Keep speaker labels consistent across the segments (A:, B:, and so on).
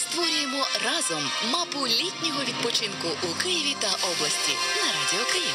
A: Створюємо разом мапу літнього відпочинку у Києві та області на Радіо Київ.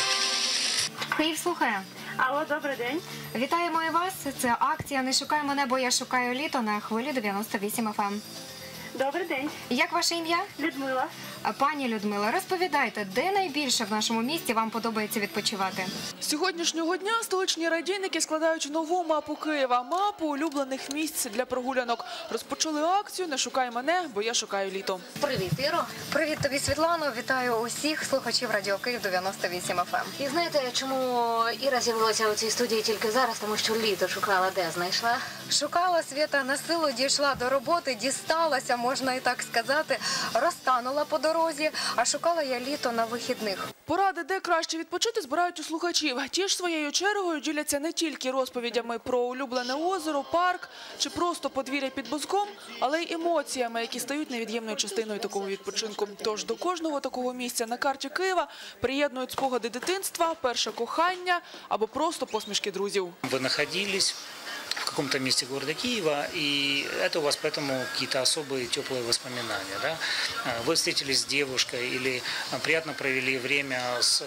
B: Київ слухає.
C: Алло, добрий день.
B: Вітаємо і вас. Це акція «Не шукай мене, бо я шукаю літо» на хвилі 98 FM.
C: Добрий день.
B: Як ваше ім'я?
C: Людмила.
B: Пані Людмила, розповідайте, де найбільше в нашому місті вам подобається відпочивати?
D: З сьогоднішнього дня столичні радійники складають нову мапу Києва. Мапу улюблених місць для прогулянок. Розпочали акцію «Не шукай мене, бо я шукаю літо».
B: Привіт, Іро. Привіт тобі, Світлано. Вітаю усіх слухачів Радіо Київ 98 FM.
E: І знаєте, чому Іра з'явилася у цій студії тільки зараз? Тому що літо шукала, де знайшла?
B: Шукала, Свята, на силу дійшла до роботи, дісталася, можна і так сказати, розтанула по дорозі, а шукала я літо на вихідних.
D: Поради, де краще відпочити, збирають у слухачів. Ті ж своєю чергою діляться не тільки розповідями про улюблене озеро, парк чи просто подвір'я під Бузком, але й емоціями, які стають невід'ємною частиною такого відпочинку. Тож до кожного такого місця на карті Києва приєднують спогади дитинства, перше кохання або просто посмішки друзів.
F: Ви знаходились в каком-то месте города Киева, и это у вас поэтому какие-то особые теплые воспоминания, да? Вы встретились с девушкой или приятно провели время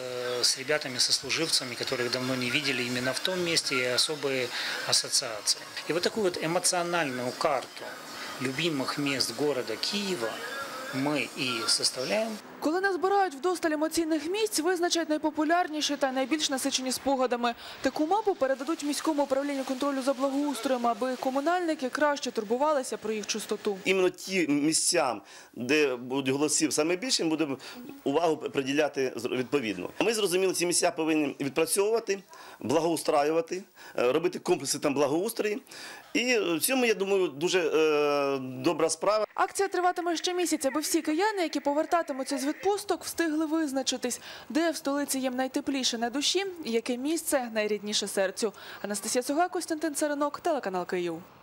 F: с ребятами, сослуживцами, которых давно не видели именно в том месте, и особые ассоциации. И вот такую вот эмоциональную карту любимых мест города Киева ми і составляємо.
D: Коли назбирають вдосталь емоційних місць, визначать найпопулярніші та найбільш насичені спогадами. Таку мапу передадуть міському управлінню контролю за благоустроєм, аби комунальники краще турбувалися про їх чистоту.
G: Іменно ті місця, де будуть голосів саме більше, ми будемо увагу приділяти відповідно. Ми зрозуміли, ці місця повинні відпрацьовувати, благоустраювати, робити комплекси там благоустрої. І в цьому, я думаю, дуже добра справа.
D: Акція триватиме ще місяць, аби всі кияни, які повертатимуться з відпусток, встигли визначитись, де в столиці їм найтепліше на душі і яке місце найрідніше серцю. Анастасія Суга, Костянтин Царинок, телеканал Київ.